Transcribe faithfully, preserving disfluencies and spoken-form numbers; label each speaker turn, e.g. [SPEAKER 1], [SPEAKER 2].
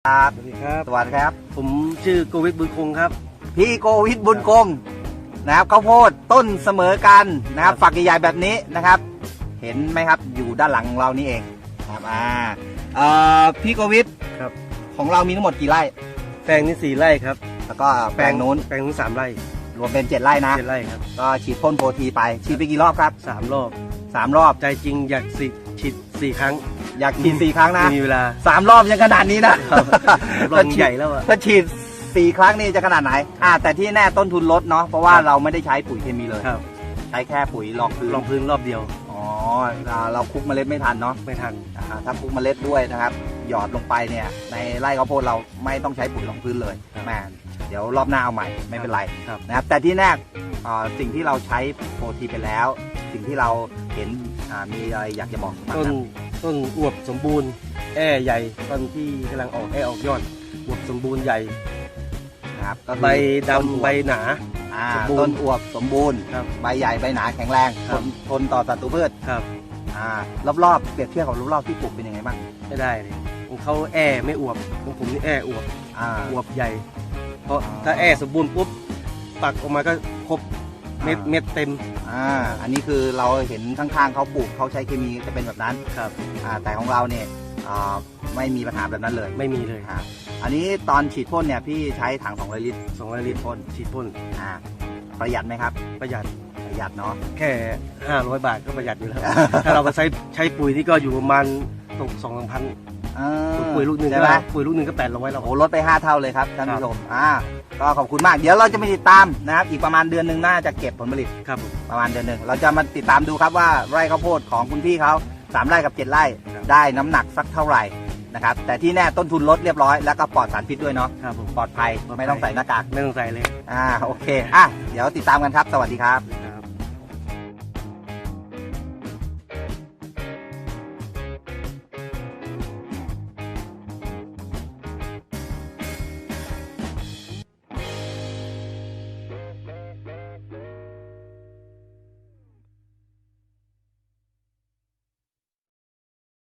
[SPEAKER 1] ครับ
[SPEAKER 2] สวัสดีครับ
[SPEAKER 1] สวัสดีครับ
[SPEAKER 2] ผมชื่อโกวิทบุญคงครับ
[SPEAKER 1] พี่โกวิทบุญคงนะครับข้าวโพดต้นเสมอกันนะครับ
[SPEAKER 2] ครับ
[SPEAKER 1] ฝักใหญ่ๆแบบนี้นะครับ เห็นไหมครับอยู่ด้านหลังของเรานี่เองครับอ่าเอ่อพี่โกวิท
[SPEAKER 2] ครับ
[SPEAKER 1] ของเรามีทั้งหมดกี่ไร่
[SPEAKER 2] แปลงนี้สี่ไร่ครับ
[SPEAKER 1] แล้วก็แปลงนู้น
[SPEAKER 2] แปลงนู้นสามไร่
[SPEAKER 1] รวมเป็นเจ็ดไร่นะ
[SPEAKER 2] เจ็ดไร่ครับ
[SPEAKER 1] ก็ฉีดพ่นโปรทีไปฉีดไปกี่รอบครับ
[SPEAKER 2] สามรอบ
[SPEAKER 1] สามรอบ
[SPEAKER 2] ใจจริงอยากสิฉีดสี่ครั้ง
[SPEAKER 1] อยากฉีดสี่ครั้งนะ
[SPEAKER 2] ไม่มีเวลา
[SPEAKER 1] สามรอบยังขนาดนี้นะครับ
[SPEAKER 2] รอบใหญ่แล้วอะ
[SPEAKER 1] ถ้าฉีดสี่ครั้งนี่จะขนาดไหนอ่าแต่ที่แน่ต้นทุนลดเนาะเพราะว่าเราไม่ได้ใช้ปุ๋ยเคมีเลย
[SPEAKER 2] ครับ
[SPEAKER 1] ใช้แค่ปุ๋ยรองพื้น
[SPEAKER 2] ลองพื้นรอบเดียว
[SPEAKER 1] อ๋ออ่าเราคลุกเมล็ดไม่ทันเนาะ
[SPEAKER 2] ไม่ทัน
[SPEAKER 1] อ่าถ้าคลุกเมล็ดด้วยนะครับ หยอดลงไปเนี่ยในไร่ข้าวโพดเราไม่ต้องใช้ปุ๋ยรองพื้นเลย
[SPEAKER 2] ครับ
[SPEAKER 1] แม่เดี๋ยวรอบหน้าเอาใหม่ไม่เป็นไร
[SPEAKER 2] ครับ
[SPEAKER 1] นะครับแต่ที่แน่อ่าสิ่งที่เราใช้โปรทีไปแล้ว สิ่งที่เราเห็นอ่ามีอะไรอยากจะบอกบ้าง
[SPEAKER 2] ต้น
[SPEAKER 1] ครับ
[SPEAKER 2] ต้นอวบสมบูรณ์แอ่ใหญ่ต้นที่กำลังออกแอ่ออกยอดอวบสมบูรณ์ใหญ่
[SPEAKER 1] นะครับก็คือ
[SPEAKER 2] ใบ
[SPEAKER 1] ต้นอว
[SPEAKER 2] ดำใบหนา
[SPEAKER 1] อ่า
[SPEAKER 2] สมบูรณ์
[SPEAKER 1] ต้นอวบสมบูรณ์
[SPEAKER 2] ครับ
[SPEAKER 1] ใบใหญ่ใบหนาแข็งแรง
[SPEAKER 2] ค
[SPEAKER 1] ท
[SPEAKER 2] รับ
[SPEAKER 1] นทนต่อศัตรูพืช
[SPEAKER 2] ครับ
[SPEAKER 1] อ่ารอบๆเปรียบเทียบกับรอบๆที่ปลูกเป็นยังไงบ้าง
[SPEAKER 2] ไม่ได้เลยของเขาแอ่ไม่อวบของผมนี่แอ่อวบ
[SPEAKER 1] อ่า
[SPEAKER 2] อวบใหญ่ เพราะ
[SPEAKER 1] อ่า
[SPEAKER 2] ถ้าแอ่สมบูรณ์ปุ๊บปักออกมาก็ครบเม็ด
[SPEAKER 1] อ่า
[SPEAKER 2] เม็ดเต็ม
[SPEAKER 1] อ่าอันนี้คือเราเห็นข้างๆเขาปลูกเขาใช้เคมีจะเป็นแบบนั้น
[SPEAKER 2] ครับ
[SPEAKER 1] อ่าแต่ของเราเนี่ยอ่าไม่มีปัญหาแบบนั้นเลย
[SPEAKER 2] ไม่มีเลย
[SPEAKER 1] อ่าอันนี้ตอนฉีดพ่นเนี่ยพี่ใช้ถังสองร้อยลิตร
[SPEAKER 2] สองร้อยลิตรพ่นฉีดพ่น
[SPEAKER 1] อ่าประหยัดไหมครับ
[SPEAKER 2] ประหยัด
[SPEAKER 1] ประหยัดเนาะ
[SPEAKER 2] แค่ห้าร้อยบาทก็ประหยัดอยู่แล้ว ถ้าเราไปใช้ใช้ปุ๋ยนี่ก็อยู่ประมาณตกสองสามพัน
[SPEAKER 1] เออ
[SPEAKER 2] ปุ๋ยลูกหนึ่ง
[SPEAKER 1] ใช่
[SPEAKER 2] ก็
[SPEAKER 1] ไหม
[SPEAKER 2] ปุ๋ยลูกหนึ่งก็แปดร้อยแล้ว
[SPEAKER 1] โอ้โหลดไปห้าเท่าเลยครับท่านผู้ชมอ่าก็ขอบคุณมากเดี๋ยวเราจะมาติดตามนะครับอีกประมาณเดือนหนึ่งน่าจะเก็บผลผลิต
[SPEAKER 2] ครับผม
[SPEAKER 1] ประมาณเดือนหนึ่งเราจะมาติดตามดูครับว่าไร่ข้าวโพดของคุณพี่เขาสามไร่กับเจ็ดไร่
[SPEAKER 2] ครับ
[SPEAKER 1] ได้น้ำหนักสักเท่าไหร่นะครับแต่ที่แน่ต้นทุนลดเรียบร้อยแล้วก็ปลอดสารพิษด้วยเนาะ
[SPEAKER 2] ครับผม
[SPEAKER 1] ปลอดภัย
[SPEAKER 2] ปลอดภัย
[SPEAKER 1] ไม่ต้องใส่หน้ากาก
[SPEAKER 2] ไม่ต้องใส่เลย
[SPEAKER 1] อ่าโอเคอ่ะเดี๋ยวติดตามกันครับ สวัสดีครับ